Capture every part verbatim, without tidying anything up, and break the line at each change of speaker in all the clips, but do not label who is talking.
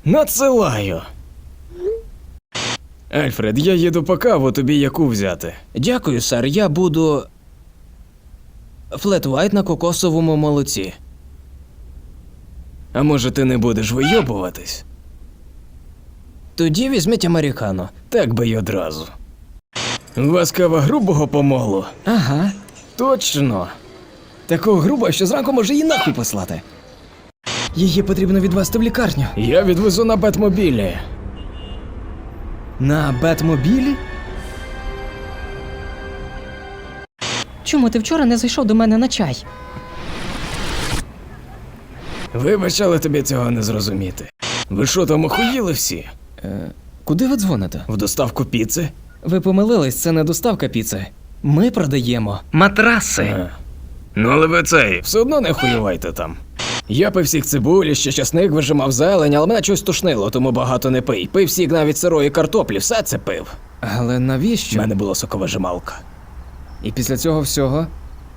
Надсилаю. Альфред, я їду по каву, тобі яку взяти?
Дякую, сер, я буду... флет-вайт на кокосовому молоці.
А може ти не будеш вийобуватись?
Тоді візьміть американо.
Так би й одразу. У вас кава грубого помолу?
Ага.
Точно.
Такого грубого, що зранку може її нахуй послати. Її потрібно відвезти в лікарню.
Я відвезу на Бетмобілі.
На Бетмобілі?
Чому ти вчора не зайшов до мене на чай?
Вибач, але тобі цього не зрозуміти. Ви що там охуїли всі?
Е, куди ви дзвоните?
В доставку піци?
Ви помилились, це не доставка піци. Ми продаємо матраси.
А. Ну але ви цей, все одно не хуювайте там. Я пив сік цибулі, ще часник вижимав зелень, але мене щось тушнило, тому багато не пий. Пив сік навіть сирої картоплі, все це пив.
Але
У
навіщо?
мене була соковижималка.
І після цього всього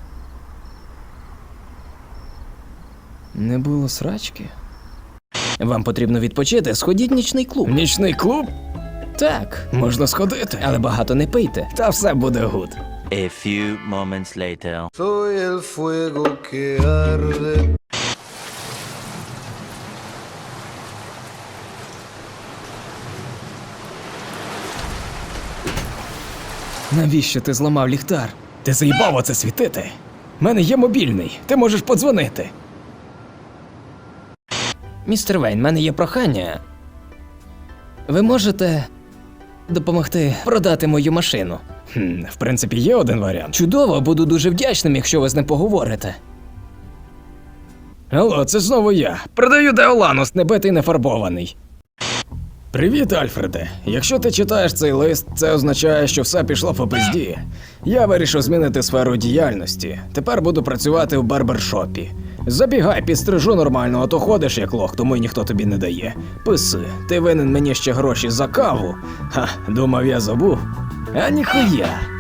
не було срачки. Вам потрібно відпочити, сходіть в нічний клуб.
Нічний клуб?
Так,
Можна сходити.
але багато не пийте.
Та все буде гуд.
A few moments later.
Soy el fuego que arde.
Навіщо ти зламав ліхтар?
Ти заїбав оце світити? У мене є мобільний, ти можеш подзвонити.
Містер Вейн, в мене є прохання. Ви можете допомогти продати мою машину?
Хм, в принципі, є один варіант.
Чудово, буду дуже вдячним, якщо ви з ним поговорите.
Алло, це знову я. Продаю Деоланус, не битий, не фарбований. Привіт, Альфреде. Якщо ти читаєш цей лист, це означає, що все пішло по пизді. Я вирішив змінити сферу діяльності. Тепер буду працювати в барбершопі. Забігай, підстрижу нормально, а то ходиш як лох, тому й ніхто тобі не дає. Писи, ти винен мені ще гроші за каву. Ха, думав, я забув. А ніхуя.